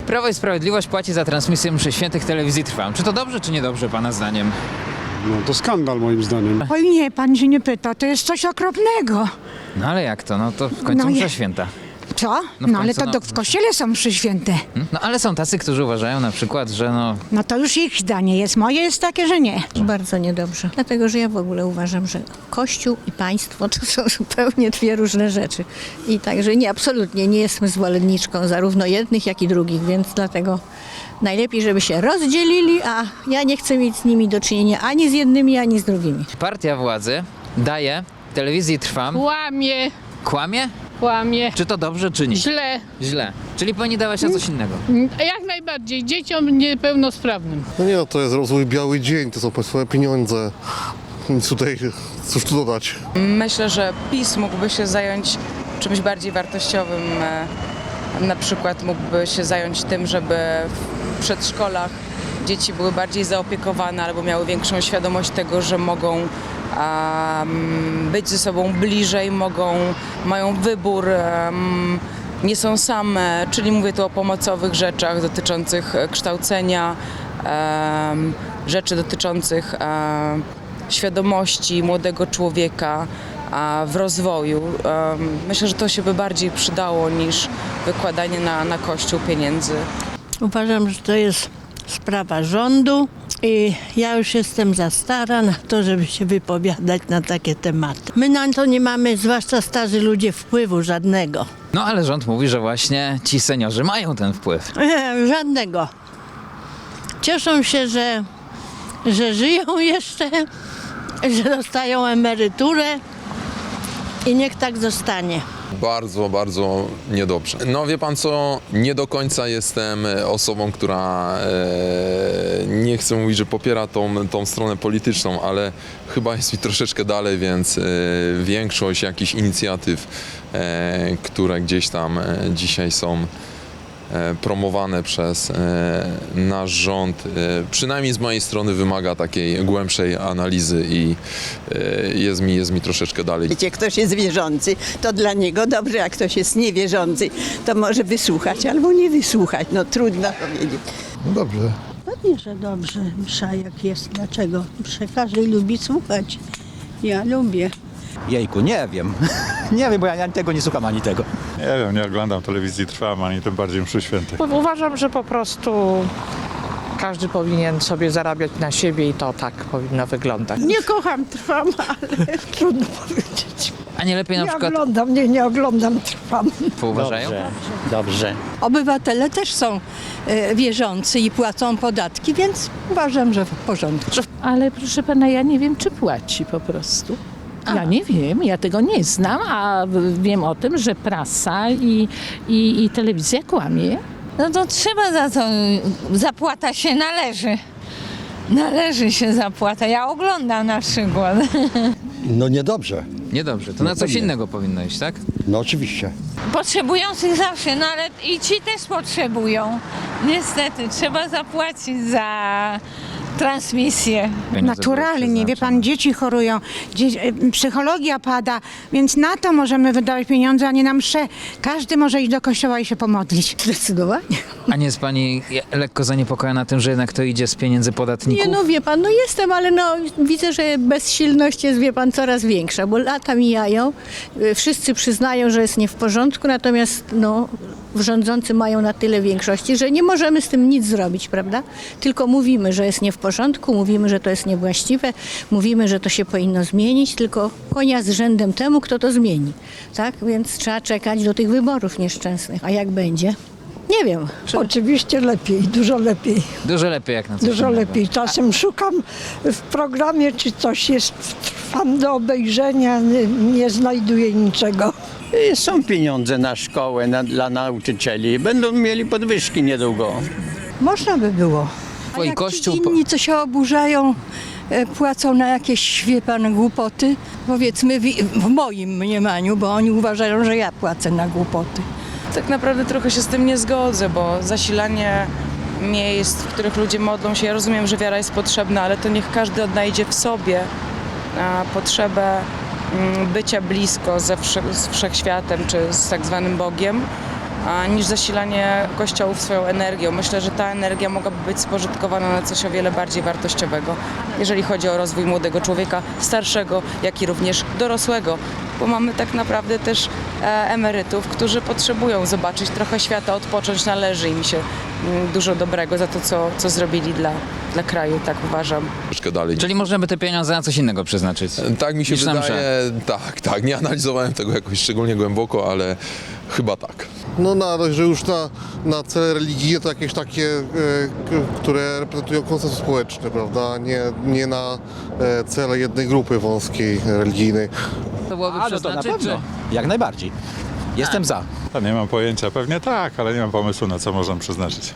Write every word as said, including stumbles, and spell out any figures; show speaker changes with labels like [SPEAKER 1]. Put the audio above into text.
[SPEAKER 1] Prawo i Sprawiedliwość płaci za transmisję mszy świętych telewizji Trwam. Czy to dobrze, czy niedobrze, pana zdaniem?
[SPEAKER 2] No to skandal moim zdaniem.
[SPEAKER 3] Oj nie, pan się nie pyta, to jest coś okropnego.
[SPEAKER 1] No ale jak to? No to w końcu
[SPEAKER 3] No
[SPEAKER 1] msza
[SPEAKER 3] je-
[SPEAKER 1] święta.
[SPEAKER 3] Co?
[SPEAKER 1] No w
[SPEAKER 3] No ale
[SPEAKER 1] końcu,
[SPEAKER 3] to
[SPEAKER 1] no.
[SPEAKER 3] do, w kościele są mszy święte.
[SPEAKER 1] Hmm? No ale są tacy, którzy uważają na przykład, że no...
[SPEAKER 3] No to już ich zdanie jest, moje jest takie, że nie.
[SPEAKER 4] Bardzo niedobrze. Dlatego, że ja w ogóle uważam, że Kościół i państwo to są zupełnie dwie różne rzeczy. I także nie, absolutnie nie jestem zwolenniczką zarówno jednych, jak i drugich, więc dlatego najlepiej, żeby się rozdzielili, a ja nie chcę mieć z nimi do czynienia ani z jednymi, ani z drugimi.
[SPEAKER 1] Partia władzy daje telewizji Trwam...
[SPEAKER 5] Kłamie,
[SPEAKER 1] Kłamie?
[SPEAKER 5] kłamie,
[SPEAKER 1] Czy to dobrze, czy nie?
[SPEAKER 5] źle.
[SPEAKER 1] Źle. Czyli powinni dawać na coś innego.
[SPEAKER 5] Jak najbardziej dzieciom niepełnosprawnym.
[SPEAKER 6] No nie, no to jest rozwój biały dzień, to są państwowe pieniądze. Nic tutaj, cóż tu dodać.
[SPEAKER 7] Myślę, że PiS mógłby się zająć czymś bardziej wartościowym. e, Na przykład mógłby się zająć tym, żeby w przedszkolach dzieci były bardziej zaopiekowane albo miały większą świadomość tego, że mogą um, być ze sobą bliżej, mogą, mają wybór, um, nie są same, czyli mówię tu o pomocowych rzeczach dotyczących kształcenia, um, rzeczy dotyczących um, świadomości młodego człowieka a w rozwoju. Um, myślę, że to się by bardziej przydało niż wykładanie na, na Kościół pieniędzy.
[SPEAKER 4] Uważam, że to jest sprawa rządu i ja już jestem za stara na to, żeby się wypowiadać na takie tematy. My na to nie mamy, zwłaszcza starzy ludzie, wpływu żadnego.
[SPEAKER 1] No ale rząd mówi, że właśnie ci seniorzy mają ten wpływ.
[SPEAKER 4] E, żadnego. Cieszą się, że, że żyją jeszcze, że dostają emeryturę i niech tak zostanie.
[SPEAKER 8] Bardzo, bardzo niedobrze. No wie pan co, nie do końca jestem osobą, która e, nie chcę mówić, że popiera tą, tą stronę polityczną, ale chyba jest mi troszeczkę dalej, więc e, większość jakichś inicjatyw, e, które gdzieś tam e, dzisiaj są e, promowane przez e, nasz rząd, e, przynajmniej z mojej strony wymaga takiej głębszej analizy i e, jest mi, jest mi troszeczkę dalej.
[SPEAKER 9] Wiecie, ktoś jest wierzący, to dla niego dobrze, jak ktoś jest niewierzący, to może wysłuchać albo nie wysłuchać. No trudno powiedzieć.
[SPEAKER 6] No dobrze.
[SPEAKER 10] Pewnie, że dobrze, msza jak jest. Dlaczego? Mszę każdy lubi słuchać. Ja lubię.
[SPEAKER 11] Jejku, nie wiem. Nie wiem, bo ja tego nie słucham ani tego.
[SPEAKER 2] Nie wiem, nie oglądam telewizji Trwam, ani tym bardziej mszy świętych.
[SPEAKER 12] Uważam, że po prostu każdy powinien sobie zarabiać na siebie i to tak powinno wyglądać.
[SPEAKER 10] Nie kocham, trwam, ale trudno powiedzieć.
[SPEAKER 1] A nie lepiej na
[SPEAKER 10] Nie
[SPEAKER 1] przykład
[SPEAKER 10] oglądam, nie, nie oglądam, trwam.
[SPEAKER 1] uważają?
[SPEAKER 11] Dobrze, dobrze.
[SPEAKER 10] Obywatele też są e, wierzący i płacą podatki, więc uważam, że w porządku.
[SPEAKER 5] Ale proszę pana, ja nie wiem, czy płaci po prostu. Ja nie wiem, ja tego nie znam, a wiem o tym, że prasa i, i, i telewizja kłamie.
[SPEAKER 4] No to trzeba za to, zapłata się należy. Należy się zapłata. Ja oglądam na przykład.
[SPEAKER 11] No niedobrze.
[SPEAKER 1] Niedobrze, to na coś innego powinno iść, tak?
[SPEAKER 11] No oczywiście.
[SPEAKER 4] Potrzebujących zawsze, no ale i ci też potrzebują. Niestety, trzeba zapłacić za transmisję.
[SPEAKER 1] Pieniądze były
[SPEAKER 3] Naturalnie, wie
[SPEAKER 1] przeznaczone.
[SPEAKER 3] pan, dzieci chorują, dzie- e, psychologia pada, więc na to możemy wydawać pieniądze, a nie na msze. Każdy może iść do kościoła i się pomodlić.
[SPEAKER 10] Zdecydowanie.
[SPEAKER 1] A nie jest pani lekko zaniepokojona tym, że jednak to idzie z pieniędzy podatników?
[SPEAKER 4] Nie, no wie pan, no jestem, ale no widzę, że bezsilność jest, wie pan, coraz większa, bo lata mijają, y, wszyscy przyznają, że jest nie w porządku, natomiast no rządzący mają na tyle większości, że nie możemy z tym nic zrobić, prawda? Tylko mówimy, że jest nie w porządku, mówimy, że to jest niewłaściwe, mówimy, że to się powinno zmienić, tylko konia z rzędem temu, kto to zmieni, tak? Więc trzeba czekać do tych wyborów nieszczęsnych, a jak będzie? Nie wiem.
[SPEAKER 10] Oczywiście lepiej, dużo lepiej.
[SPEAKER 1] Dużo lepiej jak na coś
[SPEAKER 10] Dużo
[SPEAKER 1] innego.
[SPEAKER 10] lepiej. Czasem szukam w programie, czy coś jest, trwam do obejrzenia, nie, nie znajduję niczego.
[SPEAKER 11] Są pieniądze na szkołę, na, dla nauczycieli. Będą mieli podwyżki niedługo.
[SPEAKER 10] Można by było.
[SPEAKER 1] Twój
[SPEAKER 10] A jak
[SPEAKER 1] kościół
[SPEAKER 10] ci
[SPEAKER 1] po-
[SPEAKER 10] inni, co się oburzają, e, płacą na jakieś, wie pan, głupoty, powiedzmy w, w moim mniemaniu, bo oni uważają, że ja płacę na głupoty.
[SPEAKER 7] Tak naprawdę trochę się z tym nie zgodzę, bo zasilanie miejsc, w których ludzie modlą się, ja rozumiem, że wiara jest potrzebna, ale to niech każdy odnajdzie w sobie a, potrzebę mm, bycia blisko ze wsze- z wszechświatem czy z tak zwanym Bogiem. a, niż zasilanie kościołów swoją energią. Myślę, że ta energia mogłaby być spożytkowana na coś o wiele bardziej wartościowego, jeżeli chodzi o rozwój młodego człowieka, starszego, jak i również dorosłego, bo mamy tak naprawdę też e, emerytów, którzy potrzebują zobaczyć trochę świata, odpocząć, należy im się mm, dużo dobrego za to, co, co zrobili dla, dla kraju, tak uważam.
[SPEAKER 8] Troszkę dalej.
[SPEAKER 1] Czyli możemy te pieniądze na coś innego przeznaczyć?
[SPEAKER 8] Tak mi się
[SPEAKER 1] niż na
[SPEAKER 8] wydaje,
[SPEAKER 1] msze.
[SPEAKER 8] tak, tak. Nie analizowałem tego jakoś szczególnie głęboko, ale chyba tak.
[SPEAKER 6] No na razie, że już na, na cele religijne to jakieś takie, e, k- które reprezentują konsensus społeczny, prawda? Nie, nie na e, cele jednej grupy wąskiej religijnej.
[SPEAKER 1] To byłoby
[SPEAKER 13] Ale to na
[SPEAKER 1] przeznaczyć,
[SPEAKER 13] pewno. Jak najbardziej. Jestem za.
[SPEAKER 2] A nie mam pojęcia, pewnie tak, ale nie mam pomysłu na co można przeznaczyć.